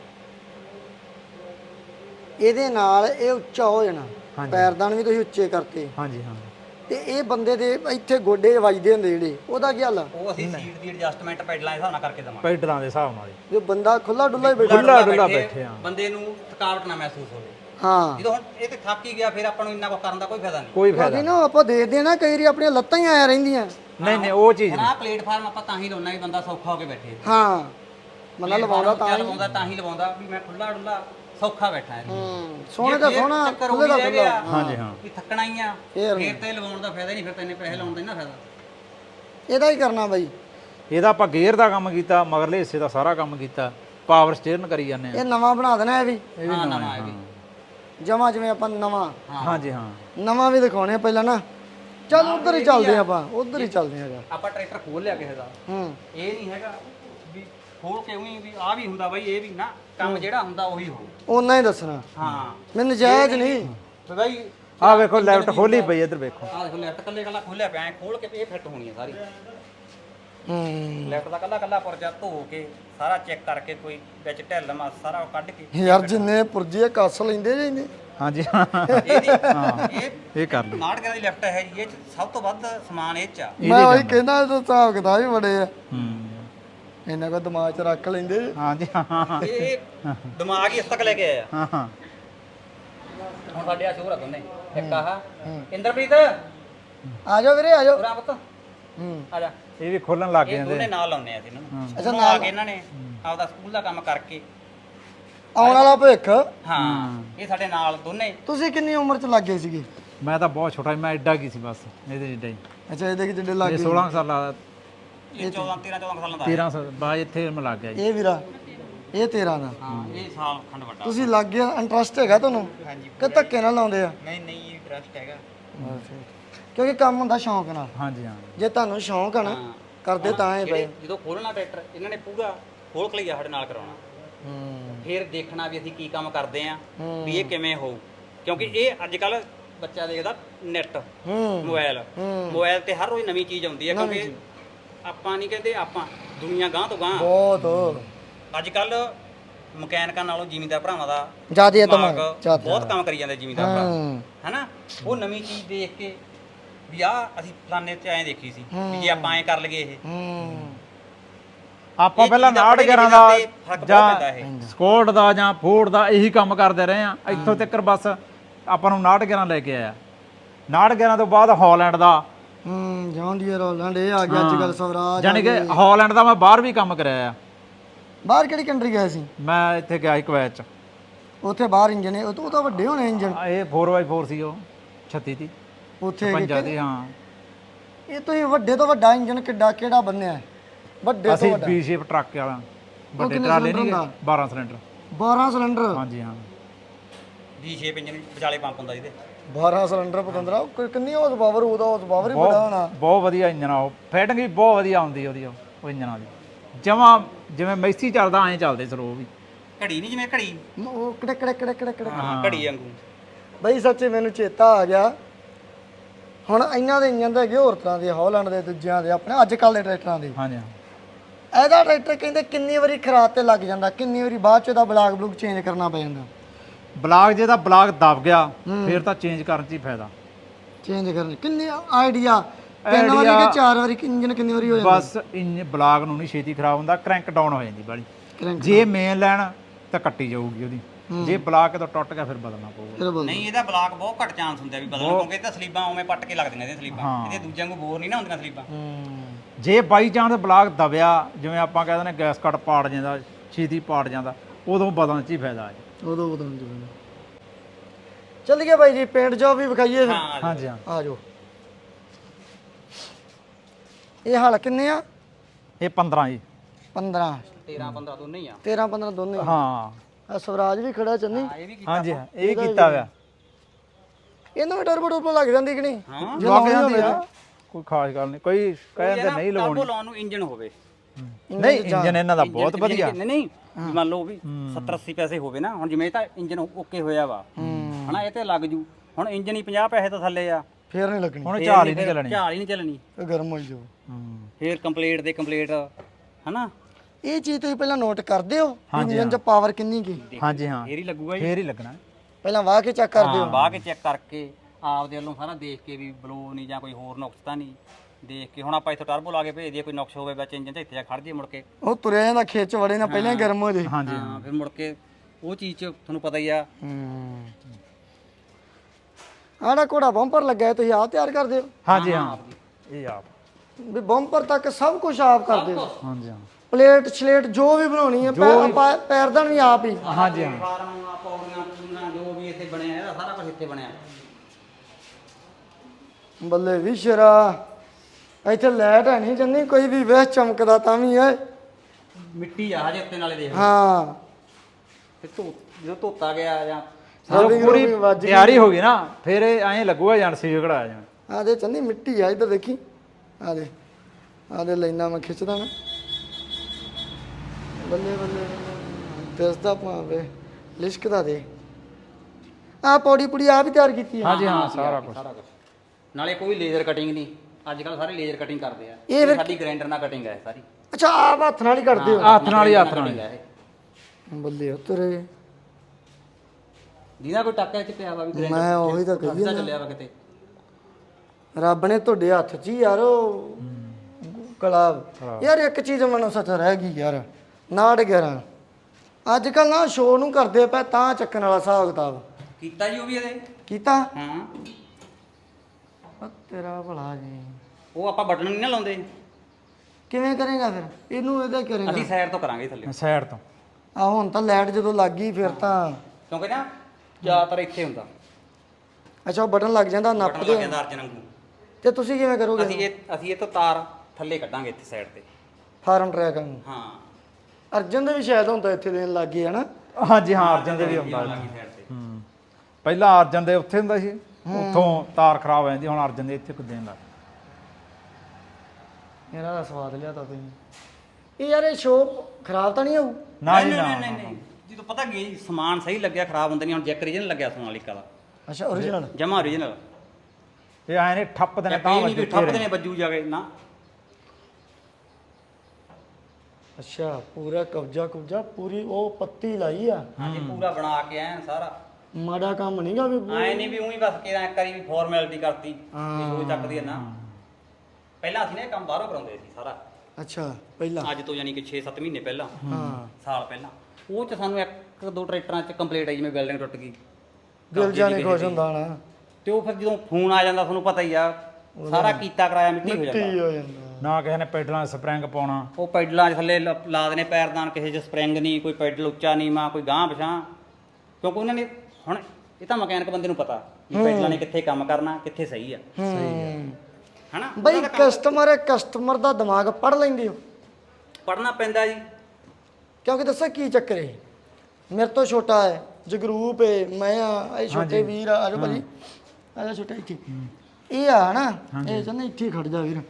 ਇਹਦੇ ਨਾਲ ਇਹ ਉੱਚਾ ਹੋ ਜਾਣਾ, ਪੈਰਦਾਨ ਵੀ ਤੁਸੀਂ ਉੱਚੇ ਕਰਤੇ,
ਹਾਂਜੀ ਹਾਂ
ਤੇ ਇਹ ਬੰਦੇ ਦੇ ਇੱਥੇ ਗੋਡੇ ਵੱਜਦੇ ਹੁੰਦੇ ਜਿਹੜੇ, ਉਹਦਾ ਕੀ ਹਾਲ ਆ?
ਉਹ ਅਸੀਂ ਸੀਟ ਦੀ ਐਡਜਸਟਮੈਂਟ ਪੈਡਲਾਂ ਦੇ ਹਿਸਾਬ ਨਾਲ ਕਰਕੇ ਦੇਵਾਂਗੇ,
ਪੈਡਲਾਂ ਦੇ ਹਿਸਾਬ ਨਾਲ ਹੀ।
ਜੋ ਬੰਦਾ ਖੁੱਲਾ ਡੁੱਲਾ ਹੀ ਬੈਠਾ।
ਖੁੱਲਾ ਡੁੱਲਾ ਬੈਠੇ ਆ,
ਬੰਦੇ ਨੂੰ ਥਕਾਵਟ ਨਾ ਮਹਿਸੂਸ ਹੋਵੇ।
ਹਾਂ
ਜਦੋਂ ਹੁਣ ਇਹ ਤੇ ਥੱਕ ਹੀ ਗਿਆ ਫਿਰ ਆਪਾਂ ਨੂੰ ਇੰਨਾ ਕੁ ਕਰਨ ਦਾ ਕੋਈ ਫਾਇਦਾ ਨਹੀਂ।
ਕੋਈ ਫਾਇਦਾ
ਕਿਉਂਕਿ ਨਾ ਆਪਾਂ ਦੇਖਦੇ ਆ ਨਾ ਕਈ ਵਾਰੀ ਆਪਣੀਆਂ ਲੱਤਾਂ ਹੀ ਆਇਆ ਰਹਿੰਦੀਆਂ।
ਨਹੀਂ ਉਹ ਚੀਜ਼
ਹੁਣ ਆਹ ਪਲੇਟਫਾਰਮ ਆਪਾਂ ਤਾਂ ਹੀ ਲਾਉਣਾ ਵੀ ਬੰਦਾ ਸੌਖਾ ਹੋ ਕੇ ਬੈਠੇ,
ਹਾਂ ਮਨਾ ਲਵਾਉਂਦਾ ਤਾਂ ਹੀ।
ਲਵਾਉਂਦਾ ਤਾਂ ਹੀ ਲਵਾਉਂਦਾ ਵੀ ਮੈਂ ਖੁੱਲਾ ਡੁੱਲਾ ਸੌਖਾ ਬੈਠਾ ਹੈ।
ਸੋਹਣੇ ਦਾ ਸੋਹਣਾ,
ਚੱਕਰ
ਖੁੱਲੇ ਦਾ
ਉਹੀ ਰਹਿ ਗਿਆ।
ਖੁੱਲਾ।
ਹਾਂਜੀ ਹਾਂ
ਵੀ ਥੱਕਣਾ ਹੀ ਆ,
ਫੇਰ
ਫੇਰ ਤੇ ਲਵਾਉਣ ਦਾ ਫਾਇਦਾ ਨਹੀਂ, ਫਿਰ ਤੈਨੇ ਪੈਸੇ ਲਾਉਣ ਦਾ ਨਾ ਫਾਇਦਾ।
ਇਹਦਾ ਹੀ ਕਰਨਾ ਬਾਈ।
ਇਹਦਾ ਆਪਾਂ ਗੇਅਰ ਦਾ ਕੰਮ ਕੀਤਾ, ਮਗਰਲੇ ਹਿੱਸੇ ਦਾ ਸਾਰਾ ਕੰਮ ਕੀਤਾ, ਪਾਵਰ ਸਟੀਅਰਿੰਗ ਕਰੀ ਜਾਂਦੇ ਆ।
ਇਹ ਨਵਾਂ ਬਣਾ ਦੇਣਾ ਇਹ ਵੀ
ਹਾਂ ਨਵਾਂ ਇਹ ਵੀ
ਜਮਾ, ਜਿਵੇਂ ਆਪਾਂ ਨਵਾਂ
ਹਾਂਜੀ ਹਾਂ
ਨਵਾਂ ਵੀ ਦਿਖਾਉਣੇ ਆ ਪਹਿਲਾਂ ਨਾ। ਚੱਲ ਉਧਰ ਹੀ ਚੱਲਦੇ ਆ, ਆਪਾਂ ਉਧਰ ਹੀ ਚੱਲਦੇ ਹੈਗਾ।
ਆਪਾਂ ਟਰੈਕਟਰ ਖੋਲ ਲਿਆ ਕਿਸੇ ਦਾ, ਇਹ ਨਹੀਂ ਹੈਗਾ ਵੀ ਖੋਲ ਕੇ ਉਹੀ ਵੀ ਆ ਵੀ ਹੁੰਦਾ ਬਾਈ ਇਹ ਵੀ ਨਾ, ਕੰਮ ਜਿਹੜਾ ਹੁੰਦਾ ਉਹੀ ਹੋਊ।
ਉਹਨਾਂ ਹੀ ਦੱਸਣਾ,
ਹਾਂ
ਮੈਨੂੰ ਨਜਾਇਜ਼ ਨਹੀਂ।
ਤੇ ਬਾਈ
ਆਹ ਵੇਖੋ ਲੈਫਟ ਖੋਲੀ ਪਈ, ਇੱਧਰ ਵੇਖੋ।
ਆਹ ਦੇਖੋ ਲੈਫਟ ਕੱਲੇ ਕੱਲਾ ਖੋਲਿਆ ਪਿਆ, ਐਂ ਖੋਲ ਕੇ ਤੇ ਇਹ ਫਿੱਟ ਹੋਣੀ ਹੈ ਸਾਰੀ। ਲੈਫਟ ਦਾ ਕੱਲਾ ਕੱਲਾ ਪੁਰਜਾ ਧੋ ਕੇ ਸਾਰਾ ਚੈੱਕ ਕਰਕੇ, ਕੋਈ ਵਿੱਚ ਢਿੱਲ ਮਸ ਸਾਰਾ ਕੱਢ ਕੇ
ਯਾਰ ਜਿੰਨੇ ਪੁਰਜੇ ਕੱਸ ਲੈਂਦੇ ਜਾਂਦੇ।
ਹਾਂਜੀ ਹਾਂ ਇਹ ਕਰ ਲਓ।
59 ਦੀ ਲੈਫਟ ਹੈ ਜੀ, ਇਹ 'ਚ ਸਭ ਤੋਂ ਵੱਧ ਸਮਾਨ ਇਹ ਚ ਆ।
ਮੈਂ ਉਹੀ ਕਹਿੰਦਾ, ਇਹ ਹਿਸਾਬ ਕਿਤਾਬ ਹੀ ਬੜੇ ਆ।
ਹੂੰ
ਇਹਨਾਂ ਕੋ ਦਿਮਾਗ 'ਚ ਰੱਖ ਲੈਂਦੇ।
ਹਾਂਜੀ ਹਾਂ
ਇਹ ਦਿਮਾਗ ਹੀ ਇਸ ਤੱਕ ਲੈ ਕੇ ਆਇਆ।
ਹਾਂ ਹਾਂ
ਹੁਣ ਸਾਡੇ ਆ ਸ਼ੋਰ ਆ ਦੋਨੇ, ਇੱਕ ਆਹ ਇੰਦਰਪ੍ਰੀਤ
ਆ ਜਾਓ ਵੀਰੇ, ਆ ਜਾਓ।
ਉਰਾ ਪੁੱਤ ਆ ਜਾ।
ਇਹ ਵੀ ਖੋਲਣ ਲੱਗ
ਇਹ
ਜਾਂਦੇ
ਦੋਨੇ ਨਾਲ ਲਾਉਨੇ ਆ ਅਸੀਂ ਇਹਨਾਂ ਨੂੰ।
ਅੱਛਾ,
ਨਾਲ ਆ ਕੇ ਇਹਨਾਂ ਨੇ ਆਪਦਾ ਸਕੂਲ ਦਾ ਕੰਮ ਕਰਕੇ
ਆਉਣ ਵਾਲਾ ਭਵਿੱਖ।
ਹਾਂ ਇਹ ਸਾਡੇ ਨਾਲ ਦੋਨੇ।
ਤੁਸੀਂ ਕਿੰਨੀ ਉਮਰ 'ਚ ਲੱਗੇ ਸੀਗੇ?
ਮੈਂ ਤਾਂ ਬਹੁਤ ਛੋਟਾ ਸੀ, ਮੈਂ ਐਡਾ ਕੀ ਸੀ ਬਸ, ਇਹਦੇ ਜਿੱਡਾ ਹੀ।
ਅੱਛਾ, ਇਹਦੇ ਕਿ ਜਿਹੜੇ
ਇਹ
ਲੱਗੇ
16 ਸਾਲਾਂ ਦਾ
ਇਹ 13-14 ਸਾਲਾਂ ਦਾ
1300 ਬਾਅਦ ਇੱਥੇ ਮੈਂ ਲੱਗ ਗਿਆ ਜੀ।
ਇਹ ਵੀਰਾ ਇਹ 13 ਦਾ।
ਹਾਂ ਇਹ ਸਾਲ ਖੰਡ ਵੱਡਾ।
ਤੁਸੀਂ ਲੱਗ ਗਿਆ, ਇੰਟਰਸਟ ਹੈਗਾ ਤੁਹਾਨੂੰ ਕਿ ਧੱਕੇ ਨਾਲ ਲਾਉਂਦੇ ਆ?
ਨਹੀਂ ਨਹੀਂ ਇੰਟਰਸਟ ਹੈਗਾ
ਕਿਉਂਕਿ ਕੰਮ ਹੁੰਦਾ ਸ਼ੌਂਕ ਨਾਲ।
ਹਾਂਜੀ ਹਾਂ
ਜੇ ਤੁਹਾਨੂੰ ਸ਼ੌਂਕ ਆ ਨਾ ਕਰਦੇ ਤਾਂ ਇਹ ਪਏ।
ਜਦੋਂ ਖੋਲਣਾ ਟਰੈਕਟਰ ਇਹਨਾਂ ਨੇ ਪੂਰਾ ਖੋਲ ਖਲੀਆ ਸਾਡੇ ਨਾਲ ਕਰਾਉਣਾ, ਫਿਰ ਦੇਖਣਾ ਵੀ ਅਸੀਂ ਕੀ ਕੰਮ ਕਰਦੇ ਆ, ਵੀ ਇਹ ਕਿਵੇਂ ਹੋਊ। ਕਿਉਂਕਿ ਇਹ ਅੱਜ ਕੱਲ ਬੱਚਾ ਦੇਖਦਾ ਨੈਟ, ਮੋਬਾਈਲ ਤੇ ਹਰ ਰੋਜ਼ ਨਵੀਂ ਚੀਜ਼ ਆਉਂਦੀ ਹੈ। ਕਿਉਂਕਿ ਆਪਾਂ ਨਹੀਂ ਕਹਿੰਦੇ, ਆਪਾਂ ਦੁਨੀਆ ਗਾਂਹ ਤੋਂ ਗਾਂਹ
ਬਹੁਤ
ਅੱਜ ਕੱਲ ਮਕੈਨਿਕਾਂ ਨਾਲੋਂ ਜ਼ਿਮੀਂਦਾਰ ਭਰਾਵਾਂ ਦਾ
ਜਿਆਦਾ
ਦਿਮਾਗ ਬਹੁਤ ਕੰਮ ਕਰੀ ਜਾਂਦੇ ਜ਼ਿਮੀਂਦਾਰ ਭਰਾ, ਹੈਨਾ। ਉਹ ਨਵੀਂ ਚੀਜ਼ ਦੇਖ ਕੇ ਵੀ ਆ ਅਸੀਂ ਫਲਾਣੇ ਤੇ ਐਂ ਦੇਖੀ ਸੀ ਵੀ ਜੇ ਆਪਾਂ ਐਂ ਕਰ ਲਈਏ ਇਹ
ਆਪਾਂ ਪਹਿਲਾਂ 69 ਦਾ ਜਾਂ ਸਕੋਟ ਦਾ ਜਾਂ ਫੋਰਡ ਦਾ ਇਹੀ ਕੰਮ ਕਰਦੇ ਰਹੇ ਆ। ਇੱਥੋਂ ਤੱਕ ਬਸ ਆਪਾਂ ਨੂੰ 69 ਲੈ ਕੇ ਆਇਆ। 69 ਤੋਂ ਬਾਅਦ ਹਾਲੈਂਡ ਦਾ
ਜੌਨ ਡੀਅਰ ਹਾਲੈਂਡ ਇਹ ਆ ਗਿਆ ਅੱਜ ਕੱਲ ਸਵਰਾਜ।
ਜਾਨੀ ਕਿ ਹਾਲੈਂਡ ਦਾ ਮੈਂ ਬਾਹਰ ਵੀ ਕੰਮ ਕਰਿਆ ਆ।
ਬਾਹਰ ਕਿਹੜੀ ਕੰਟਰੀ ਗਏ ਸੀ?
ਮੈਂ ਇੱਥੇ ਗਿਆ ਸੀ ਕੁਵੈਤ ਚ।
ਉੱਥੇ ਬਾਹਰ ਇੰਜਨ ਉਹ ਤਾਂ ਵੱਡੇ ਹੋਣੇ ਇੰਜਨ।
ਇਹ 4x4 ਸੀ ਉਹ 36 ਦੀ
ਉੱਥੇ
55 ਦੀ। ਹਾਂ
ਇਹ ਤੁਸੀਂ ਵੱਡੇ ਤੋਂ ਵੱਡਾ ਇੰਜਨ ਕਿਹੜਾ ਬੰਨਿਆ ਹੈ? ਵੱਡੇ ਤੋਂ
ਅਸੀਂ
ਵੱਡਾ
B ਸ਼ੇਪ ਟਰੱਕ ਵਾਲਾ ਵੱਡੇ ਟਰਾਲੇ ਨਹੀਂ 12 ਸਿਲੰਡਰ।
12 ਸਿਲੰਡਰ?
ਹਾਂਜੀ ਹਾਂ
ਵੀ ਸ਼ੇਪ ਇੰਜਨ ਵਿਚਾਲੇ ਪੰਪ ਹੁੰਦਾ ਜਿਹਦੇ
12 ਸਿਲੰਡਰ ਪਤੰਦਰਾ। ਕਿੰਨੀ ਹਾਰਸ ਪਾਵਰ ਉਹਦਾ? ਹਾਰਸ ਪਾਵਰ ਹੀ ਬੜਾ ਹੋਣਾ।
ਬਹੁਤ ਵਧੀਆ ਇੰਜਨ ਆ ਉਹ। ਫਿਟਿੰਗ ਵੀ ਬਹੁਤ ਵਧੀਆ ਆਉਂਦੀ ਉਹਦੀ ਉਹ ਇੰਜਨਾਂ ਦੀ। ਜਮਾਂ ਜਿਵੇਂ ਮੈਸੀ ਚੱਲਦਾ ਐਂ ਚੱਲਦੇ ਸਲੋ ਵੀ।
ਘੜੀ ਨਹੀਂ, ਜਿਵੇਂ ਘੜੀ
ਉਹ ਕੜਕ
ਹਾਂ ਘੜੀ ਵਾਂਗੂ।
ਬਈ ਸੱਚੇ ਮੈਨੂੰ ਚੇਤਾ ਆ ਗਿਆ ਹੁਣ। ਇਹਨਾਂ ਦੇ ਇੰਜਨ ਤਾਂ ਹੈਗੇ ਹੋਰ ਤਰ੍ਹਾਂ ਦੇ, ਹਾਲੈਂਡ ਦੇ, ਦੂਜਿਆਂ ਦੇ, ਆਪਣੇ ਅੱਜ ਕੱਲ ਦੇ ਟਰੈਕਟਰਾਂ ਦੇ।
ਹਾਂਜੀ
ਇਹਦਾ ਟਰੈਕਟਰ ਕਹਿੰਦੇ ਕਿੰਨੀ ਵਾਰੀ ਖਰਾਬ ਤੇ ਲੱਗ ਜਾਂਦਾ, ਕਿੰਨੀ ਵਾਰੀ ਬਾਅਦ ਚ ਇਹਦਾ ਬਲੂਕ ਚੇਂਜ ਕਰਨਾ ਪੈ ਜਾਂਦਾ।
ਬਲਾਕ ਜੇ ਦਾ ਬਲਾਕ ਦਬ ਗਿਆ ਫਿਰ ਤਾਂ ਚੇਂਜ ਕਰਨ 'ਚ ਹੀ ਫਾਇਦਾ।
ਚੇਂਜ ਕਰਨ ਕਿੰਨੇ ਆਈਡੀਆ? 3 ਵਾਰੀ ਕਿ 4 ਵਾਰੀ ਇੰਜਨ ਕਿੰਨੀ ਵਾਰੀ ਹੋ ਜਾਂਦਾ?
ਬਸ ਇੰਜ ਬਲਾਕ ਨੂੰ ਨਹੀਂ ਛੇਤੀ ਖਰਾਬ ਹੁੰਦਾ, ਕਰੰਕ ਡਾਊਨ ਹੋ ਜਾਂਦੀ ਬਾਲੀ। ਜੇ ਮੇਨ ਲੈਣ ਤਾਂ ਕੱਟੀ ਜਾਊਗੀ ਉਹਦੀ, ਜੇ ਬਲਾਕ ਤੋਂ ਟੁੱਟ ਗਿਆ ਫਿਰ ਬਦਲਣਾ ਪਊਗਾ।
ਨਹੀਂ ਇਹਦਾ ਬਲਾਕ ਬਹੁਤ ਘੱਟ ਚਾਂਸ ਹੁੰਦਾ ਵੀ ਬਦਲਣ, ਕਿਉਂਕਿ ਇਹ ਤਾਂ ਸਲੀਬਾਂ ਉਵੇਂ ਪੱਟ ਕੇ ਲੱਗਦੀਆਂ ਇਹਦੀਆਂ ਸਲੀਬਾਂ। ਇਹਦੇ ਦੂਜਿਆਂ ਨੂੰ ਬੋਰ ਨਹੀਂ ਨਾ ਹੁੰਦੀਆਂ ਸਲੀਬਾਂ।
ਜੇ ਬਾਈ ਚਾਂਸ ਬਲਾਕ ਦਬਿਆ, ਜਿਵੇਂ ਆਪਾਂ ਕਹਿੰਦੇ ਨੇ ਗੈਸ ਕੱਟ ਪਾੜ ਜਾਂਦਾ, ਛੇਤੀ ਪਾੜ ਜਾਂਦਾ, ਉਦੋਂ ਬਦਲਣ 'ਚ ਹੀ ਫਾਇਦਾ ਹੈ।
ਉਦੋਂ ਬਦਲਣ 'ਚ ਫਾਇਦਾ। ਚੱਲੀਏ ਬਾਈ ਜੀ ਪੇਂਟ ਜੌਬ ਵੀ ਵਿਖਾਈਏ ਫਿਰ।
ਹਾਂਜੀ ਹਾਂ
ਆ ਜਾਓ। ਇਹ ਹਾਲ ਕਿੰਨੇ ਆ?
ਇਹ 15 ਜੀ।
15
13-15 ਦੋਨੇ ਹੀ ਆ।
13-15 ਦੋਨੇ।
ਹਾਂ
ਆ ਸਵਰਾਜ ਵੀ ਖੜਾ ਚੰਨੀ।
ਇਹ ਵੀ
ਹਾਂਜੀ ਹਾਂ ਇਹ ਕੀਤਾ ਹੋਇਆ।
ਇਹਨਾਂ ਵਿੱਚ ਟਰਬੋ ਲੱਗ ਜਾਂਦੀ ਕਿ ਨਹੀਂ?
ਲੱਗ ਜਾਂਦੀ ਆ, ਕੋਈ ਖਾਸ ਗੱਲ ਨਹੀਂ। ਕੋਈ ਕਹਿੰਦੇ ਨਹੀਂ ਲਵਾਉਣੀ।
ਟਰਬੋ ਲਾਉਣ ਨੂੰ ਇੰਜਨ ਹੋਵੇ।
ਨਹੀਂ ਇੰਜਨ ਇਹਨਾਂ ਦਾ ਬਹੁਤ ਵਧੀਆ।
ਨਹੀਂ ਮੰਨ ਲਓ ਵੀ 70-80 ਪੈਸੇ ਹੋਵੇ ਨਾ। ਹੁਣ ਜਿਵੇਂ ਇਹ ਤਾਂ ਇੰਜਨ ਓਕੇ ਹੋਇਆ ਵਾ ਹਨਾ, ਇਹ ਤੇ ਲੱਗ ਜੂ। ਹੁਣ ਇੰਜਨ ਹੀ 50 ਪੈਸੇ ਤੋਂ ਥੱਲੇ ਆ,
ਫੇਰ ਨਹੀਂ ਲੱਗਣੀ।
ਹੁਣ ਝਾਲ ਹੀ ਨਹੀਂ ਚੱਲਣੀ।
ਝਾਲ ਹੀ ਨਹੀਂ ਚੱਲਣੀ,
ਇਹ ਗਰਮ ਹੋਈ ਜਾਓ।
ਫੇਰ ਕੰਪਲੀਟ ਦੇ ਕੰਪਲੀਟ ਹਨਾ।
ਇਹ ਚੀਜ਼ ਤੁਸੀਂ ਪਹਿਲਾਂ ਨੋਟ ਕਰਦੇ ਹੋ ਇੰਜਨ 'ਚ ਪਾਵਰ ਕਿੰਨੀ ਕੀ?
ਹਾਂਜੀ ਹਾਂ
ਫੇਰ ਹੀ ਲੱਗੂਗਾ ਜੀ।
ਫੇਰ ਹੀ ਲੱਗਣਾ।
ਪਹਿਲਾਂ ਵਾਹ ਕੇ ਚੈੱਕ ਕਰਦੇ ਹੋ?
ਬਾਹ ਕੇ ਚੈੱਕ ਕਰਕੇ ਆਪਦੇ ਵੱਲੋਂ ਸਾਰਾ ਦੇਖ ਕੇ ਵੀ ਬਲੋ ਨਹੀਂ ਜਾਂ ਕੋਈ ਹੋਰ ਨੁਕਸ ਤਾਂ ਨਹੀਂ ਦੇਖ ਕੇ। ਹੁਣ ਆਪਾਂ ਇੱਥੋਂ ਟਰਬੋ ਲਾ ਕੇ ਭੇਜ ਦਈਏ, ਕੋਈ ਨੁਕਸ ਹੋਵੇ ਵਿੱਚ ਇੰਜਨ 'ਚ, ਇੱਥੇ ਜਾ ਖੜ ਜੇ ਮੁੜ ਕੇ
ਉਹ ਤੁਰਿਆ ਜਾਂਦਾ ਖੇਚ ਵੜੇ ਨਾ, ਪਹਿਲਾਂ ਹੀ ਗਰਮ ਹੋ ਜੇ।
ਹਾਂਜੀ
ਹਾਂ ਫਿਰ ਮੁੜ ਕੇ ਉਹ ਚੀਜ਼ 'ਚ ਤੁਹਾਨੂੰ ਪਤਾ ਹੀ ਆ।
ਆੜਾ ਘੋੜਾ ਬੰਪਰ ਲੱਗਾ ਤੁਸੀਂ ਆਪ ਤਿਆਰ ਕਰਦੇ ਹੋ?
ਹਾਂਜੀ ਹਾਂ ਇਹ ਆਪ
ਵੀ ਬੰਪਰ ਤੱਕ ਸਭ ਕੁਝ ਆਪ ਕਰਦੇ ਹੋ?
ਹਾਂਜੀ ਹਾਂ
ਪਲੇਟ ਛਲੇਟ ਜੋ ਵੀ ਬਣਾਉਣੀ ਹੈ ਪੈਰਦਾਨ ਵੀ ਆਪ ਹੀ?
ਹਾਂਜੀ ਹਾਂ
ਫਾਰਮ ਆ, ਪੌੜੀਆਂ ਪੂੜੀਆਂ ਜੋ ਵੀ ਇੱਥੇ ਬਣਿਆ ਇਹਦਾ ਸਾਰਾ ਕੁਝ ਇੱਥੇ ਬਣਿਆ।
ਬੱਲੇ ਵੀ ਸ਼ਰਾ। ਇੱਥੇ ਲਾਈਟ ਹੈ ਨਹੀਂ ਜੰਨੀ, ਕੋਈ ਵੀ ਵੇਖ ਚਮਕਦਾ ਤਾਂ ਵੀ ਹੈ।
ਮਿੱਟੀ ਆ ਹਜੇ ਉੱਤੇ ਨਾਲੇ ਦੇਖ।
ਹਾਂ
ਤੇ ਜਦੋਂ ਧੋਤਾ ਗਿਆ ਜਾਂ
ਜਦੋਂ ਪੂਰੀ ਤਿਆਰੀ ਹੋ ਗਈ ਨਾ ਫਿਰ ਐਂ ਲੱਗੂਗਾ ਏਜੰਸੀ ਝਗੜਾ ਆ ਜਾਣਾ।
ਆ ਦੇ ਚੰਨੀ ਮਿੱਟੀ ਆ, ਇੱਧਰ ਦੇਖੀ। ਆ ਦੇ ਲਾਈਨਾਂ ਮੈਂ ਖਿੱਚਦਾ ਨਾ। ਬੱਲੇ ਬੱਲੇ ਦੱਸਦਾ ਭਾਵੇਂ ਲਿਸ਼ਕਦਾ ਦੇ। ਆ ਪੌੜੀ ਪੁੜੀ ਆ ਵੀ ਤਿਆਰ ਕੀਤੀ ਹੈ?
ਹਾਂਜੀ ਹਾਂ ਸਾਰਾ ਕੁਝ।
ਨਾਲੇ ਕੋਈ ਲੇਜ਼ਰ ਕਟਿੰਗ ਨਹੀਂ, ਅੱਜ ਕੱਲ ਸਾਰੇ ਲੇਜ਼ਰ ਕਟਿੰਗ ਕਰਦੇ ਆ।
ਇਹ
ਸਾਡੀ ਗ੍ਰਾਈਂਡਰ ਨਾਲ ਕਟਿੰਗ ਹੈ ਸਾਰੀ।
ਅੱਛਾ ਆਪ ਹੱਥ ਨਾਲ ਹੀ ਕਰਦੇ ਹੋ?
ਹੱਥ ਨਾਲ ਹੀ ਹੱਥ ਨਾਲ ਹੀ।
ਬੱਲੇ ਤੇਰੇ।
ਜਿਹਦਾ ਕੋਈ ਟੱਕਾ ਚ ਪਿਆ ਵਾ ਵੀ ਗ੍ਰਾਈਂਡਰ
ਮੈਂ ਉਹੀ ਤਾਂ ਕਹੀ
ਦਾ ਚੱਲਿਆ ਵਾ ਕਿਤੇ।
ਰੱਬ ਨੇ ਤੁਹਾਡੇ ਹੱਥ 'ਚ ਹੀ ਯਾਰ ਉਹ ਕਲਾ। ਯਾਰ ਇੱਕ ਚੀਜ਼ ਮੈਨੂੰ ਸੱਚ ਰਹਿ ਗਈ ਯਾਰ, 69 ਅੱਜ ਕੱਲ ਨਾ ਸ਼ੋਅ ਨੂੰ ਕਰਦੇ ਪਏ ਤਾਂ ਚੱਕਣ ਵਾਲਾ ਹਿਸਾਬ ਕਿਤਾਬ
ਕੀਤਾ ਜੀ ਉਹ ਵੀ ਇਹਦੇ
ਕੀਤਾ।
ਹਾਂ
ਤੇਰਾ ਭਲਾ ਜੀ।
ਉਹ ਆਪਾਂ ਬਟਨ ਨਹੀਂ ਨਾ ਲਾਉਂਦੇ।
ਕਿਵੇਂ ਕਰੇਗਾ ਫਿਰ ਇਹਨੂੰ? ਇਹਦਾ ਕਰੇਗਾ
ਅਸੀਂ ਸਾਈਡ ਤੋਂ ਕਰਾਂਗੇ ਥੱਲੇ।
ਸਾਈਡ ਤੋਂ।
ਆ ਹੁਣ ਤਾਂ ਲਾਈਟ ਜਦੋਂ ਲੱਗ ਗਈ ਫਿਰ ਤਾਂ।
ਕਿਉਂਕਿ ਨਾ ਜ਼ਿਆਦਾਤਰ ਇੱਥੇ ਹੁੰਦਾ
ਅੱਛਾ ਉਹ ਬਟਨ ਲੱਗ ਜਾਂਦਾ
ਬਟਨ
ਨੱਪਦੇ
ਲੱਗ ਜਾਂਦਾ ਅਰਜਨ ਵਾਂਗੂ।
ਤੇ ਤੁਸੀਂ ਕਿਵੇਂ ਕਰੋਗੇ?
ਅਸੀਂ ਇਹ ਤੋਂ ਤਾਰ ਥੱਲੇ ਕੱਢਾਂਗੇ ਇੱਥੇ ਸਾਈਡ ਤੇ।
ਫਾਰਮ ਟਰੈਕ ਨੂੰ
ਹਾਂ
ਅਰਜਨ ਦੇ ਵੀ ਸ਼ਾਇਦ ਹੁੰਦਾ ਇੱਥੇ ਦੇਣ ਲੱਗ ਗਏ ਹਨਾ।
ਹਾਂਜੀ ਹਾਂ ਅਰਜਨ ਦੇ ਵੀ ਹੁੰਦਾ ਜੀ।
ਸਾਈਡ ਤੇ।
ਪਹਿਲਾਂ ਅਰਜਨ ਦੇ ਉੱਥੇ ਹੁੰਦਾ ਸੀ, ਉੱਥੋਂ ਤਾਰ ਖਰਾਬ ਹੋ ਜਾਂਦੀ, ਹੁਣ ਅਰਜਨ ਦੇ ਇੱਥੇ ਕੁ ਦੇਣ ਲੱਗ
ਇਹਨਾਂ ਦਾ ਸਵਾਦ ਲਿਆਤਾ ਤੁਸੀਂ। ਇਹ ਯਾਰ ਇਹ ਸ਼ੋਪ ਖਰਾਬ ਤਾਂ ਨਹੀਂ ਹੋਊ?
ਨਾ ਜੀ ਨਾ।
ਨਹੀਂ ਜਦੋਂ ਪਤਾ ਕੀ ਸਮਾਨ ਸਹੀ ਲੱਗਿਆ ਖਰਾਬ ਹੁੰਦਾ ਨਹੀਂ। ਹੁਣ ਜੈਕ ਰੀਜਨਲ ਲੱਗਿਆ ਸੋਨਾਲੀਕਾ ਦਾ,
ਅੱਛਾ ਓਰੀਜਨਲ।
ਜਮਾ ਓਰੀਜਨਲ।
ਇਹ ਐ ਨੇ ਠੱਪ ਦੇ ਨੇ ਤਾਂ
ਇਹ ਨਹੀਂ
ਵੱਜੂ
ਵੀ ਠੱਪ ਦੇ ਨੇ ਵੱਜੂ ਜਾ ਕੇ ਨਾ।
ਅੱਛਾ ਪੂਰਾ ਕਬਜ਼ਾ ਪੂਰੀ ਉਹ ਪੱਤੀ ਲਾਈ ਆ।
ਹਾਂਜੀ ਪੂਰਾ ਬਣਾ ਕੇ ਐਨ ਸਾਰਾ।
ਮਾੜਾ ਕੰਮ ਨਹੀਂਗਾ ਵੀ।
ਐ ਨਹੀਂ ਵੀ ਉਹੀ ਬਸ ਕਿਹੜਾ ਕਰੀ ਵੀ ਫਾਰਮੈਲਿਟੀ ਕਰਤੀ ਵੀ ਕੋਈ ਚੱਕਦੀ ਹੈ ਨਾ। ਪਹਿਲਾਂ ਅਸੀਂ ਨੇ ਇਹ ਕੰਮ ਬਾਹਰੋਂ ਕਰਾਉਂਦੇ ਸੀ ਸਾਰਾ।
ਅੱਛਾ ਪਹਿਲਾਂ
ਅੱਜ ਤੋਂ ਯਾਨੀ ਕਿ 6-7 ਮਹੀਨੇ ਪਹਿਲਾਂ,
ਹਾਂ
ਸਾਲ ਪਹਿਲਾਂ ਉਹ ਚ ਸਾਨੂੰ 1-2 ਟਰੈਕਟਰਾਂ ਚ ਕੰਪਲੀਟ ਆਈ, ਜਿਵੇਂ ਬਿਲਡਿੰਗ ਟੁੱਟ ਗਈ
ਦਿਲ ਜਾਨੀ ਖੁਸ਼ ਹੁੰਦਾ ਨਾ।
ਤੇ ਉਹ ਫਿਰ ਜਦੋਂ ਫੋਨ ਆ ਜਾਂਦਾ ਤੁਹਾਨੂੰ ਪਤਾ ਹੀ ਆ, ਸਾਰਾ ਕੀਤਾ ਕਰਾਇਆ ਮਿੱਟੀ ਹੋ ਜਾਂਦਾ।
ਹੋ ਜਾਂਦਾ
ਨਾ ਕਿਸੇ ਨੇ ਪੈਡਲਾਂ ਸਪਰਿੰਗ ਪਾਉਣਾ।
ਉਹ ਪੈਡਲਾਂ 'ਚ ਥੱਲੇ ਲਾ ਦੇਣੇ ਪੈਰਦਾਨ, ਕਿਸੇ 'ਚ ਸਪਰਿੰਗ ਨਹੀਂ, ਕੋਈ ਪੈਡਲ ਉੱਚਾ ਨਹੀਂ ਮਾ ਕੋਈ ਗਾਂਹ ਪਛਾਂ, ਕਿਉਂਕਿ ਉਹਨਾਂ ਨੇ ਹੁਣ ਇਹ ਤਾਂ ਮਕੈਨਿਕ ਬੰਦੇ ਨੂੰ ਪਤਾ ਵੀ ਪੈਡਲਾਂ ਨੇ ਕਿੱਥੇ ਕੰਮ ਕਰਨਾ, ਕਿੱਥੇ ਸਹੀ ਆ। ਹਨਾ
ਬਈ ਕਸਟਮਰ ਦਾ ਦਿਮਾਗ ਪੜ ਲੈਂਦੇ ਹੋ?
ਪੜਨਾ ਪੈਂਦਾ ਜੀ,
ਕਿਉਂਕਿ ਦੱਸੋ ਕੀ ਚੱਕਰ ਹੈ, ਮੇਰੇ ਤੋਂ ਛੋਟਾ ਹੈ ਜਗਰੂਪ ਹੈ, ਮੈਂ ਆ, ਇਹ ਛੋਟੇ ਵੀਰ ਆ, ਆਜੋ ਭਾਜੀ ਆਜਾ ਛੋਟਾ ਇੱਥੇ, ਇਹ ਆ ਨਾ, ਇਹ ਕਹਿੰਦਾ ਇੱਥੇ ਹੀ ਖੜ ਜਾ ਵੀਰ।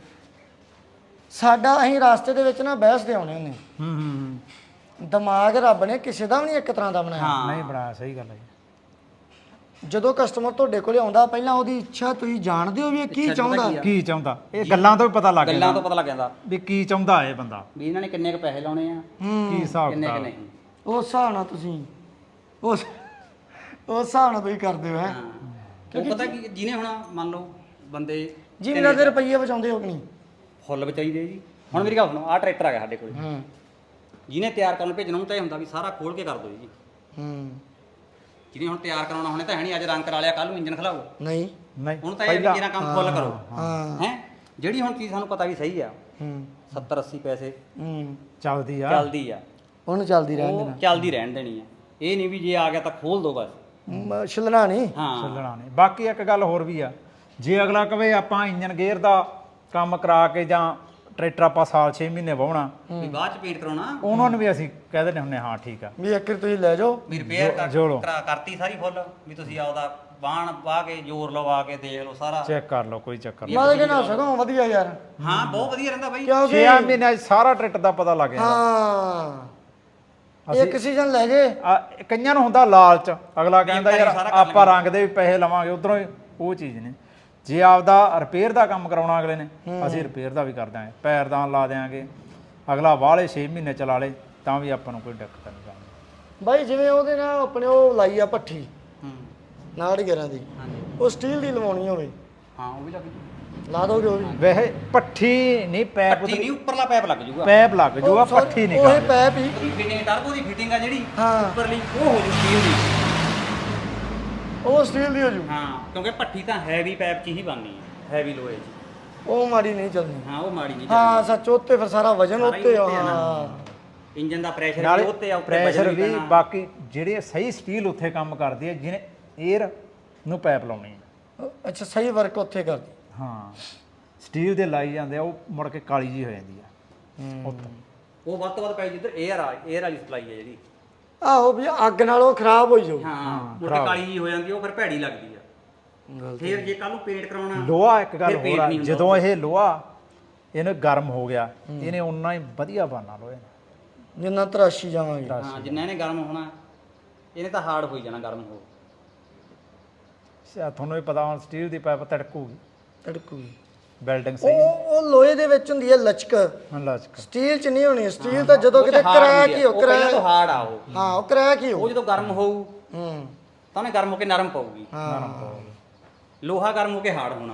ਸਾਡਾ ਅਸੀਂ ਰਾਸਤੇ ਦੇ ਵਿੱਚ ਨਾ ਬਹਿਸ ਦੇ ਆਉਣੇ ਹੁੰਦੇ। ਦਿਮਾਗ ਰੱਬ ਨੇ ਕਿਸੇ ਦਾ ਵੀ ਨਹੀਂ ਇੱਕ ਤਰ੍ਹਾਂ ਦਾ ਬਣਾਇਆ।
ਨਹੀਂ ਬਣਾਇਆ, ਸਹੀ ਗੱਲ ਹੈ ਜੀ।
ਜਦੋਂ ਕਸਟਮਰ ਤੁਹਾਡੇ ਕੋਲੇ ਆਉਂਦਾ ਪਹਿਲਾਂ ਉਹਦੀ ਇੱਛਾ ਤੁਸੀਂ ਜਾਣਦੇ ਹੋ ਵੀ ਇਹ ਕੀ ਚਾਹੁੰਦਾ।
ਕੀ ਚਾਹੁੰਦਾ, ਇਹ ਗੱਲਾਂ ਤੋਂ ਵੀ ਪਤਾ ਲੱਗ
ਗੱਲਾਂ ਤੋਂ ਪਤਾ ਲੱਗ ਜਾਂਦਾ
ਵੀ ਕੀ ਚਾਹੁੰਦਾ ਇਹ ਬੰਦਾ,
ਵੀ ਇਹਨਾਂ ਨੇ ਕਿੰਨੇ ਕੁ ਪੈਸੇ ਲਾਉਣੇ ਆ,
ਕੀ ਹਿਸਾਬ
ਕਿੰਨੇ ਕੁ
ਕਿਤਾਬ।
ਨਹੀਂ।
ਉਸ ਹਿਸਾਬ ਨਾਲ ਤੁਸੀਂ ਉਸ ਹਿਸਾਬ ਨਾਲ ਤੁਸੀਂ ਕਰਦੇ ਹੋ ਹੈ।
ਉਹ ਪਤਾ ਕੀ ਜਿਹਨੇ ਹੁਣ ਮੰਨ ਲਓ ਬੰਦੇ
ਜਿੰਨਾ ਦੇ ਰੁਪਈਏ ਬਚਾਉਂਦੇ ਹੋ ਕਿ ਨਹੀਂ?
ਫੁੱਲ ਬਚਾਈਦੇ ਜੀ। ਹੁਣ ਮੇਰੀ ਗੱਲ ਸੁਣੋ, ਆਹ ਟਰੈਕਟਰ ਆ ਗਿਆ ਸਾਡੇ ਕੋਲ,
ਹੂੰ
ਜਿਹਨੇ ਤਿਆਰ ਕਰਨ ਨੂੰ ਭੇਜਣਾ ਉਹ ਤਾਂ ਇਹ ਹੁੰਦਾ ਵੀ ਸਾਰਾ ਖੋਲ ਕੇ ਕਰ ਦਿਓ ਜੀ।
ਹੂੰ
ਜਿਹਨੇ ਹੁਣ ਤਿਆਰ ਕਰਾਉਣਾ ਹੁਣੇ ਤਾਂ ਹੈ ਨਹੀਂ, ਅੱਜ ਰੰਗ ਕਰਾ ਲਿਆ ਕੱਲ ਨੂੰ ਇੰਜਨ ਖਲਾਓ,
ਨਹੀਂ
ਨਹੀਂ
ਹੁਣ ਤਾਂ ਇਹ ਜਿਹੜਾ ਕੰਮ ਫੁੱਲ ਕਰੋ।
ਹਾਂ
ਹੈ ਜਿਹੜੀ ਹੁਣ ਚੀਜ਼ ਸਾਨੂੰ ਪਤਾ ਵੀ ਸਹੀ ਆ,
ਹੂੰ
70-80 ਪੈਸੇ
ਹੂੰ
ਚੱਲਦੀ ਆ,
ਚੱਲਦੀ ਆ,
ਉਹਨੂੰ ਚੱਲਦੀ ਰਹਿਣ
ਉਹ ਚੱਲਦੀ ਰਹਿਣ ਦੇਣੀ ਆ। ਇਹ ਨਹੀਂ ਵੀ ਜੇ ਆ ਗਿਆ ਤਾਂ ਖੋਲ ਦੋ ਬਸ।
ਦੇਣਾ ਛਿਲਣਾ ਨਹੀਂ।
ਹਾਂ
ਚੱਲਣਾ ਨਹੀਂ। ਬਾਕੀ ਇੱਕ ਗੱਲ ਹੋਰ ਵੀ ਆ, ਜੇ ਅਗਲਾ ਕਵੇ ਆਪਾਂ ਇੰਜਨ ਗੇਅਰ ਦਾ ਕੰਮ ਕਰਾ ਕੇ ਜਾਂ ਟਰੈਕਟਰ ਆਪਾਂ ਸਾਲ 6 ਮਹੀਨੇ ਵਾਹੁਣਾ,
ਵੀ ਬਾਅਦ ਚ ਪੇਂਟ ਕਰਾਉਣਾ,
ਉਹਨਾਂ ਨੂੰ ਵੀ ਅਸੀਂ ਕਹਿ ਦਿੰਦੇ ਹੁੰਦੇ ਹਾਂ ਠੀਕ ਆ,
ਵੀ ਇੱਕ ਵਾਰੀ ਤੁਸੀਂ ਲੈ ਜਾਓ।
ਵੀ ਰਿਪੇਅਰ
ਜੋੜੋ।
ਕਰਤੀ ਸਾਰੀ ਫੁੱਲ, ਵੀ ਤੁਸੀਂ ਆਪਦਾ ਬਾਣ ਪਾ ਕੇ ਜ਼ੋਰ ਲਵਾ ਕੇ ਦੇਖ ਲਓ ਸਾਰਾ।
ਚੈੱਕ ਕਰ ਲਓ, ਕੋਈ ਚੱਕਰ ਨਹੀਂ।
ਮੈਂ ਕਹਿੰਦਾ ਸਗੋਂ ਵਧੀਆ ਯਾਰ,
ਹਾਂ ਬਹੁਤ ਵਧੀਆ ਰਹਿੰਦਾ ਬਾਈ।
6
ਮਹੀਨਿਆਂ 'ਚ ਸਾਰਾ ਟਰੈਕਟਰ ਦਾ ਪਤਾ ਲੱਗ ਜਾਂਦਾ।
ਹਾਂ ਇੱਕ ਸੀਜ਼ਨ ਲੈ ਜੇ।
ਕਈਆਂ ਨੂੰ ਹੁੰਦਾ ਲਾਲਚ, ਅਗਲਾ ਕਹਿੰਦਾ ਯਾਰ ਆਪਾਂ ਰੰਗ ਦੇ ਵੀ ਪੈਸੇ ਲਵਾਂਗੇ, ਉਧਰੋਂ ਉਹ ਚੀਜ਼ ਨੇ। ਜੇ ਆਪਦਾ ਰਿਪੇਅਰ ਦਾ ਕੰਮ ਕਰਾਉਣਾ ਅਗਲੇ ਨੇ, ਅਸੀਂ ਰਿਪੇਅਰ ਦਾ ਵੀ ਕਰ ਦਾਂਗੇ, ਪੈਰਦਾਨ ਲਾ ਦਿਆਂਗੇ, ਅਗਲਾ ਵਾਲੇ 6 ਮਹੀਨੇ ਚਲਾ ਲੇ ਤਾਂ ਵੀ ਆਪਾਂ ਨੂੰ ਕੋਈ ਦਿੱਕਤ ਨਹੀਂ ਆਉਂਦੀ।
ਬਾਈ ਜਿਵੇਂ ਉਹਦੇ ਨਾਲ ਆਪਣੇ ਉਹ ਲਾਈ ਆ ਭੱਠੀ
ਹੂੰ
11 ਦੀ,
ਹਾਂਜੀ
ਉਹ ਸਟੀਲ ਦੀ ਲਵਾਉਣੀ ਹੋਵੇ
ਹਾਂ ਉਹ ਵੀ ਲੱਗ ਜੂ।
ਲਾ ਦੋਗੇ ਉਹ ਵੀ?
ਵੈਸੇ ਪੱਠੀ ਨਹੀਂ, ਪੈਪ
ਪੱਟੀ ਨਹੀਂ, ਉੱਪਰਲਾ ਪੈਪ ਲੱਗ ਜੂਗਾ।
ਪੈਪ ਲੱਗ ਜੂਗਾ, ਪੱਠੀ ਨਹੀਂ
ਉਹ
ਕਰ
ਪੈਪ ਹੀ।
ਫਿਟਿੰਗ ਟਰਬੋ ਦੀ ਫਿਟਿੰਗ ਆ ਜਿਹੜੀ
ਹਾਂ
ਉੱਪਰਲੀ, ਉਹ ਹੋ ਜੂ ਸਟੀਲ ਦੀ।
ਉਹ ਸਟੀਲ ਦੀ ਹੋ ਜੂ।
ਹਾਂ ਕਿਉਂਕਿ ਪੱਠੀ ਤਾਂ ਹੈਵੀ ਪੈਪ 'ਚ ਹੀ ਬਣਨੀ ਹੈ, ਹੈਵੀ ਲੋਹੇ 'ਚ।
ਉਹ ਮਾੜੀ ਨਹੀਂ ਚੱਲਣੀ।
ਹਾਂ ਉਹ ਮਾੜੀ ਨਹੀਂ
ਹਾਂ ਸੱਚ, ਉੱਤੇ ਫਿਰ ਸਾਰਾ ਵਜਨ
ਸਾਰਾ ਹੀ
ਉੱਤੇ ਆ।
ਉੱਤੇ ਆ ਨਾ।
ਹਾਂ
ਇੰਜਨ ਦਾ ਪ੍ਰੈਸ਼ਰ ਵੀ
ਨਾਲੇ
ਉੱਤੇ ਆ, ਉੱਤੇ
ਪ੍ਰੈਸ਼ਰ
ਵਜਨ
ਵੀ।
ਪੈਣਾ।
ਬਾਕੀ ਜਿਹੜੇ ਸਹੀ ਸਟੀਲ ਉੱਥੇ ਕੰਮ ਕਰਦੀ ਹੈ, ਜਿਹਨੇ 에ਅਰ ਨੂੰ ਪੈਪ ਲਾਉਣੀ ਹੈ।
ਅੱਛਾ ਸਹੀ ਵਰਕ ਉੱਥੇ ਕਰਦੀ।
ਹਾਂ ਸਟੀਲ ਦੇ ਲਾਈ ਜਾਂਦੇ ਆ, ਉਹ ਮੁੜ ਕੇ ਕਾਲੀ ਜੀ ਹੋ ਜਾਂਦੀ ਆ ਉੱਥੇ।
ਉਹ ਵੱਧ ਤੋਂ ਵੱਧ ਪੈ ਜਿੱਧਰ 에ਅਰ ਵਾਲੀ ਸਪਲਾਈ ਹੈ ਜਿਹੜੀ।
ਆਹੋ ਵੀ ਅੱਗ ਨਾਲ ਉਹ ਖਰਾਬ ਹੋਈ ਜਾਊ।
ਹਾਂ ਮੁੜ ਕੇ ਕਾਲੀ ਜੀ ਹੋ ਜਾਂਦੀ, ਉਹ ਫਿਰ ਭੈੜੀ ਲੱਗਦੀ ਆ। ਫਿਰ ਜੇ ਕੱਲ ਨੂੰ ਪੇਂਟ ਕਰਾਉਣਾ,
ਲੋਹਾ ਇੱਕ ਗੱਲ
ਫਿਰ ਪੇਂਟ
ਹੋਰ ਆ,
ਨਹੀਂ ਹੁੰਦਾ
ਜਦੋਂ ਇਹ ਲੋਹਾ ਇਹਨੂੰ ਗਰਮ ਹੋ ਗਿਆ, ਇਹਨੇ ਉਨਾ ਹੀ ਵਧੀਆ ਬਣਨਾ ਲੋਹੇ ਨੇ।
ਜਿੰਨਾ ਤਰਾਸ਼ੀ ਜਾਵਾਂਗੇ।
ਹਾਂ ਜਿੰਨਾ ਇਹਨੇ ਗਰਮ ਹੋਣਾ, ਇਹਨੇ ਤਾਂ ਹਾਰਡ ਹੋਈ ਜਾਣਾ ਗਰਮ ਹੋ।
ਤੁਹਾਨੂੰ ਵੀ ਪਤਾ, ਹੁਣ ਸਟੀਲ ਦੀ ਪਾਈਪ ਤੜਕੂਗੀ,
ਤੜਕੂਗੀ।
ਬਿਲਡਿੰਗ ਸਹੀ
ਉਹ ਲੋਹੇ ਦੇ ਵਿੱਚ ਹੁੰਦੀ ਹੈ ਲਚਕ,
ਲਚਕ।
ਸਟੀਲ ਚ ਨਹੀਂ ਹੋਣੀ। ਸਟੀਲ ਤਾਂ ਜਦੋਂ ਕਿਤੇ ਕਰੈਕ ਹੀ ਹੋ,
ਪਹਿਲਾਂ ਤੋਂ ਹਾਰਡ ਆ ਉਹ।
ਹਾਂ ਉਹ ਕਰੈਕ ਹੀ ਹੋ।
ਉਹ ਜਦੋਂ ਗਰਮ ਹੋਊ
ਹੂੰ
ਤਾਂ ਉਹਨੇ ਗਰਮ ਹੋ ਕੇ ਨਰਮ ਪਊਗੀ।
ਹਾਂ
ਲੋਹਾ ਗਰਮ ਹੋ ਕੇ ਹਾਰਡ ਹੋਣਾ।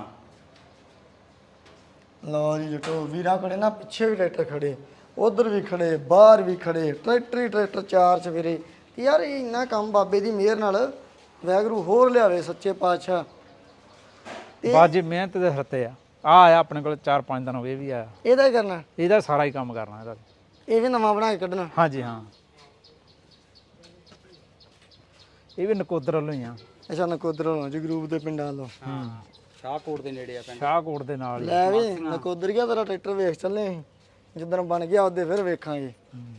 ਲਓ ਜੀ ਜਟੋ ਵੀਰਾਂ ਕੋਲੇ ਨਾ ਪਿੱਛੇ ਵੀ ਟਰੈਕਟਰ ਖੜੇ, ਉਧਰ ਵੀ ਖੜੇ, ਬਾਹਰ ਵੀ ਖੜੇ, ਟਰੈਕਟਰ ਹੀ ਟਰੈਕਟਰ ਚਾਰ ਚਫੇਰੇ। ਯਾਰ ਇਹ ਇੰਨਾ ਕੰਮ ਬਾਬੇ ਦੀ ਮਿਹਰ ਨਾਲ ਵੈਗਰੂ ਹੋਰ ਲਿਆਵੇ ਸੱਚੇ ਪਾਤਸ਼ਾਹ।
ਬਾਜੀ ਮਿਹਨਤ ਦੇ ਸਰਤੇ ਆ ਆਇਆ ਆਪਣੇ ਕੋਲ 4-5 ਦਿਨ ਹੋ ਗਏ, ਇਹ ਵੀ ਆਇਆ।
ਇਹਦਾ ਹੀ ਕਰਨਾ,
ਇਹਦਾ ਸਾਰਾ ਹੀ ਕੰਮ ਕਰਨਾ ਇਹਦਾ।
ਇਹ ਵੀ ਨਵਾਂ ਬਣਾ ਕੇ ਕੱਢਣਾ।
ਹਾਂਜੀ ਹਾਂ ਇਹ ਵੀ ਨਕੋਦਰ ਵੱਲੋਂ ਹੀ ਆ।
ਅੱਛਾ ਨਕੋਦਰ ਵੱਲੋਂ, ਜਗਰੂਪ ਦੇ ਪਿੰਡਾਂ ਵੱਲੋਂ।
ਸ਼ਾਹਕੋਟ ਦੇ ਨੇੜੇ ਆ ਪਿੰਡ।
ਸ਼ਾਹਕੋਟ ਦੇ ਨਾਲ ਹੀ।
ਲੈ ਵੀ ਨਕੋਦਰੀਆ ਤੇਰਾ ਟਰੈਕਟਰ ਵੇਖ ਚੱਲੇ ਅਸੀਂ ਜਿੱਦਣ ਬਣ ਗਿਆ ਉਹਦੇ ਫਿਰ ਵੇਖਾਂਗੇ।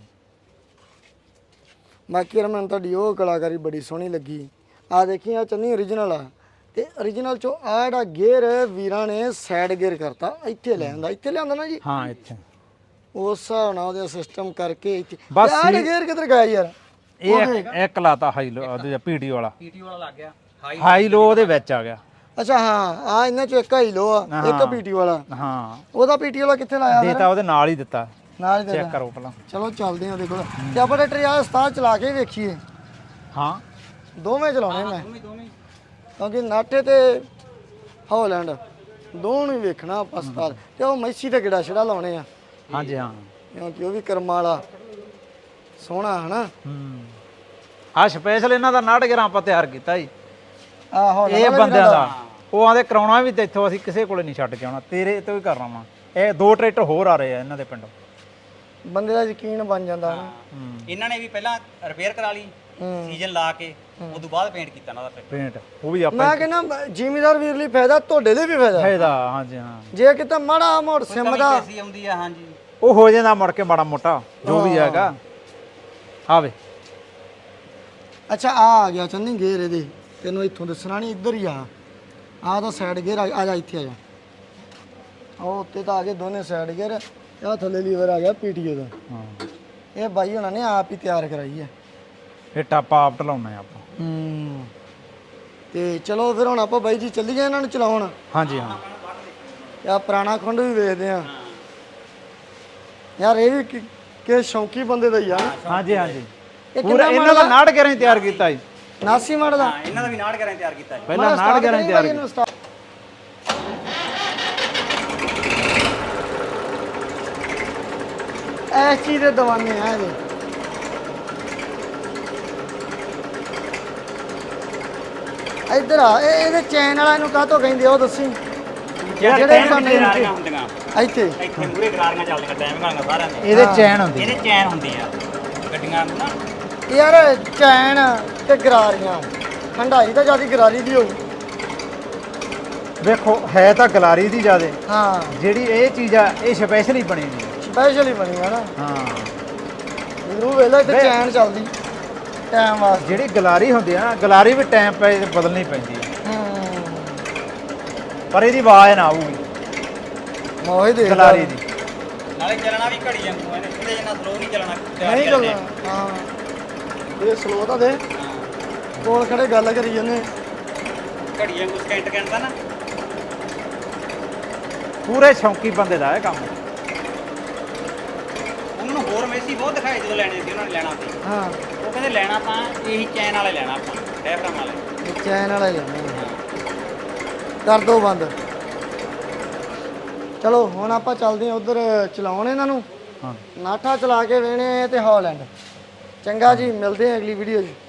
ਬਾਕੀ ਯਾਰ ਮੈਨੂੰ ਤੁਹਾਡੀ ਉਹ ਕਲਾਕਾਰੀ ਬੜੀ ਸੋਹਣੀ ਲੱਗੀ। ਆ ਦੇਖੀ ਆ ਚੰਨੀ ਓਰੀਜਨਲ ਆ ਤੇ ਓਰੀਜਨਲ ਚੋਂ ਆ ਜਿਹੜਾ ਗੇਅਰ ਵੀਰਾਂ ਨੇ ਸਾਈਡ ਗੇਅਰ ਕਰਤਾ, ਇੱਥੇ ਲਿਆਂਦਾ ਨਾ ਜੀ।
ਹਾਂ ਇੱਥੇ
ਉਸ ਹਿਸਾਬ ਨਾਲ ਉਹਦੇ ਸਿਸਟਮ ਕਰਕੇ ਇੱਥੇ
ਬਸ
ਆਹ ਗੇਅਰ ਕਿੱਧਰ ਗਿਆ ਯਾਰ?
ਇਹ ਇੱਕ ਲਾਤਾ ਹਾਈ ਲੋ ਉਹਦੇ ਪੀਟੀ ਵਾਲਾ,
ਪੀਟੀ ਵਾਲਾ ਲੱਗ ਗਿਆ
ਹਾਈ ਲੋ ਉਹਦੇ ਵਿੱਚ ਆ ਗਿਆ।
ਅੱਛਾ ਹਾਂ ਆ ਇਹਨਾਂ ਚੋਂ ਇੱਕ ਹਾਈ ਲੋ ਆ ਇੱਕ ਪੀਟੀ ਵਾਲਾ।
ਹਾਂ
ਉਹਦਾ ਪੀਟੀ ਵਾਲਾ ਕਿੱਥੇ ਲਾਇਆ
ਦੇਤਾ ਉਹਦੇ ਨਾਲ ਹੀ ਦਿੱਤਾ।
ਨਾਲ ਹੀ ਦੇ
ਚੈੱਕ ਕਰੋ ਪਹਿਲਾਂ।
ਚਲੋ ਚੱਲਦੇ ਆ ਉਹਦੇ ਕੋਲ ਤੇ ਆਪਾਂ ਟਰੈਕਟਰ ਯਾਰ ਉਸਤਾਦ ਚਲਾ ਕੇ ਵੇਖੀਏ।
ਹਾਂ
ਦੋਵੇਂ ਚਲਾਉਣੇ ਮੈਂ
ਦੋਵੇਂ
ਕਿਉਂਕਿ ਨਾਟੇ ਤੇ ਹੌਲੈਂਡ ਦੋਨੋਂ ਹੀ ਵੇਖਣਾ ਆਪਾਂ ਉਸਤਾਦ ਤੇ ਉਹ ਮੈਸੀ ਤੇ ਗਿੜਾ ਛੜਾ ਲਾਉਣੇ ਆ
ਹਾਂਜੀ ਹਾਂ।
ਕਿਉਂਕਿ ਉਹ ਵੀ ਕਰਮਾਂ ਵਾਲਾ ਸੋਹਣਾ ਹਨਾ।
ਆ ਸਪੈਸ਼ਲ ਇਹਨਾਂ ਦਾ 911 ਆਪਾਂ ਤਿਆਰ ਕੀਤਾ ਜੀ
ਆਹੋ
ਇਹ ਬੰਦਿਆਂ ਦਾ। ਉਹ ਆਂਦੇ ਕਰਾਉਣਾ ਵੀ ਤੇ ਇੱਥੋਂ ਅਸੀਂ ਕਿਸੇ ਕੋਲੇ ਨਹੀਂ ਛੱਡ ਕੇ ਆਉਣਾ, ਤੇਰੇ ਤੋਂ ਹੀ ਕਰਨਾ ਵਾ। ਇਹ 2 ਟਰੈਕਟਰ ਹੋਰ ਆ ਰਹੇ ਆ ਇਹਨਾਂ ਦੇ ਪਿੰਡੋਂ।
ਬੰਦੇ ਦਾ ਯਕੀਨ ਬਣ ਜਾਂਦਾ ਹਨਾ।
ਇਹਨਾਂ ਨੇ ਵੀ ਪਹਿਲਾਂ ਰਿਪੇਅਰ ਕਰਾ ਲਈ ਸੀਜ਼ਨ ਲਾ ਕੇ, ਉਸ ਤੋਂ ਬਾਅਦ ਪੇਂਟ ਕੀਤਾ ਇਹਨਾਂ ਦਾ ਟਰੈਕਟਰ।
ਪੇਂਟ ਉਹ ਵੀ ਆਪਾਂ
ਮੈਂ ਕਹਿੰਦਾ ਜ਼ਿਮੀਦਾਰ ਵੀਰ ਲਈ ਫਾਇਦਾ, ਤੁਹਾਡੇ ਲਈ ਵੀ ਫਾਇਦਾ।
ਫਾਇਦਾ। ਹਾਂਜੀ ਹਾਂ
ਜੇ ਕਿਤੇ ਮਾੜਾ ਮੋੜ ਸਿਮ ਦਾ
ਐਸੀ ਆਉਂਦੀ ਆ। ਹਾਂਜੀ
ਉਹ ਹੋ ਜਾਂਦਾ ਮੁੜ ਕੇ ਮਾੜਾ ਮੋਟਾ ਜੋ ਵੀ ਹੈਗਾ। ਆਵੇ
ਅੱਛਾ ਆ ਗਿਆ ਚੰਨੀ ਗੇਰ ਇਹਦੇ, ਤੈਨੂੰ ਇੱਥੋਂ ਦੱਸਣਾ ਨਹੀਂ, ਇੱਧਰ ਹੀ ਆ ਤਾਂ ਸਾਈਡ ਗੇਅਰ ਆ ਜਾ ਇੱਥੇ ਆ ਜਾ। ਉਹ ਉੱਤੇ ਤਾਂ ਆ ਗਏ ਦੋਨੇ ਸਾਈਡ ਗੇਅਰ, ਆ ਥੱਲੇ ਲੀਵਰ ਆ ਗਿਆ ਪੀਟੀਓ ਦਾ।
ਹਾਂ
ਇਹ ਬਾਈ ਹੁਣਾਂ ਨੇ ਆਪ ਹੀ ਤਿਆਰ ਕਰਾਈ ਹੈ।
ਇਹ ਟਾਪਾ ਆਪ ਢਲਾਉਣਾ ਆਪਾਂ।
ਤੇ ਚਲੋ ਫਿਰ ਹੁਣ ਆਪਾਂ ਬਾਈ ਜੀ ਚੱਲੀਏ ਇਹਨਾਂ ਨੂੰ ਚਲਾਉਣ।
ਹਾਂਜੀ ਹਾਂ
ਆ ਪੁਰਾਣਾ ਖੁੰਡ ਵੀ ਵੇਖਦੇ ਆ ਯਾਰ। ਇਹ ਵੀ ਕਿ ਸ਼ੌਂਕੀ ਬੰਦੇ ਦਾ ਹੀ ਆ।
ਹਾਂਜੀ ਹਾਂਜੀ
ਇਹ
ਪੂਰਾ ਇਹਨਾਂ ਦਾ 911 ਹੀ ਤਿਆਰ ਕੀਤਾ ਜੀ।
89 ਮਾਡਲ ਦਾ
ਇਹਨਾਂ ਦਾ ਵੀ 911 ਤਿਆਰ ਕੀਤਾ ਜੀ।
ਪਹਿਲਾਂ 911 ਹੀ ਤਿਆਰ ਕੀਤਾ।
ਐਸ ਚੀਜ਼ ਦੇ ਦਵਾਨੇ ਆ ਇਹਦੇ। ਇੱਧਰ ਆ ਇਹਦੇ ਚੈਨ ਵਾਲਾ ਇਹਨੂੰ ਕਾਹਤੋਂ ਕਹਿੰਦੇ ਆ ਉਹ ਦੱਸੀ।
ਜਿਹੜੇ
ਦਵਾਨੇ
ਗਰਾਰੀਆਂ ਹੁੰਦੀਆਂ
ਇੱਥੇ
ਇੱਥੇ ਮੂਰੇ ਗਰਾਰੀਆਂ ਚੱਲਦੀਆਂ ਟਾਈਮ ਗਾਂਗਾ ਸਾਰਿਆਂ ਦੇ।
ਇਹਦੇ ਚੈਨ ਹੁੰਦੀ।
ਇਹਦੇ ਚੈਨ ਹੁੰਦੀ ਆ ਗੱਡੀਆਂ ਨੂੰ ਨਾ।
ਯਾਰ ਚੈਨ ਤੇ ਗਰਾਰੀਆਂ, ਹੰਡਾਈ ਤਾਂ ਜਿਆਦਾ ਗਰਾਰੀ ਦੀ ਹੋਊ।
ਵੇਖੋ ਹੈ ਤਾਂ ਗਲਾਰੀ ਦੀ ਜ਼ਿਆਦੇ।
ਹਾਂ
ਜਿਹੜੀ ਇਹ ਚੀਜ਼ ਆ ਇਹ ਸਪੈਸ਼ਲ ਹੀ ਬਣੀ ਹੋਈ ਹੈ।
ਸਪੈਸ਼ਲ ਹੀ ਬਣੀ ਆ ਨਾ।
ਹਾਂ
ਜ਼ਰੂਰ ਵੇਲਾ ਇੱਥੇ ਚੈਨ ਚੱਲਦੀ ਟਾਈਮ ਵਾਸਤੇ।
ਜਿਹੜੀ ਗਲਾਰੀ ਹੁੰਦੀ ਆ ਨਾ, ਗਲਾਰੀ ਵੀ ਟਾਈਮ ਪੈ ਬਦਲਣੀ ਪੈਂਦੀ ਹੈ, ਪਰ ਇਹਦੀ ਆਵਾਜ਼ ਨਾ ਆਊਗੀ
ਮੋਹੇ ਦੇ
ਗਲਾਰੀ ਦੀ।
ਨਾਲੇ ਚੱਲਣਾ ਵੀ ਘੜੀ ਵਾਂਗੂ ਇਹਨੇ, ਇਹਦੇ ਜਿੰਨਾ ਸਲੋ ਨਹੀਂ ਚੱਲਣਾ।
ਨਹੀਂ ਚੱਲਣਾ। ਹਾਂ ਇਹ ਸਲੋ ਤਾਂ ਦੇ ਕੋਲ ਖੜੇ ਗੱਲ ਕਰੀ ਜਾਂਦੇ।
ਘੜੀ ਵਾਂਗੂ ਸਕਿੰਟ ਕਹਿੰਦਾ ਨਾ।
ਪੂਰੇ ਸ਼ੌਂਕੀ ਬੰਦੇ ਦਾ ਇਹ ਕੰਮ।
ਉਹਨਾਂ ਨੂੰ ਹੋਰ ਮੈਸੀ ਬਹੁਤ ਦਿਖਾਏ ਜਦੋਂ ਲੈਣੇ ਸੀ, ਉਹਨਾਂ ਨੇ ਲੈਣਾ ਸੀ।
ਹਾਂ
ਉਹ ਕਹਿੰਦੇ ਲੈਣਾ ਤਾਂ ਇਹੀ ਚੈਨ ਵਾਲੇ ਲੈਣਾ ਆਪਾਂ, ਡੈਫਰਮ ਵਾਲੇ।
ਇਹ ਚੈਨ ਵਾਲਾ ਹੀ ਲੈਣਾ। ਕਰ ਦੋ ਬੰਦ। ਚਲੋ ਹੁਣ ਆਪਾਂ ਚੱਲਦੇ ਹਾਂ ਉਧਰ ਚਲਾਉਣ ਇਹਨਾਂ ਨੂੰ।
ਹਾਂ
ਨਾਠਾ ਚਲਾ ਕੇ ਵੇਣੇ ਤੇ ਹੌਲੈਂਡ। ਚੰਗਾ ਜੀ, ਮਿਲਦੇ ਹਾਂ ਅਗਲੀ ਵੀਡੀਓ 'ਚ।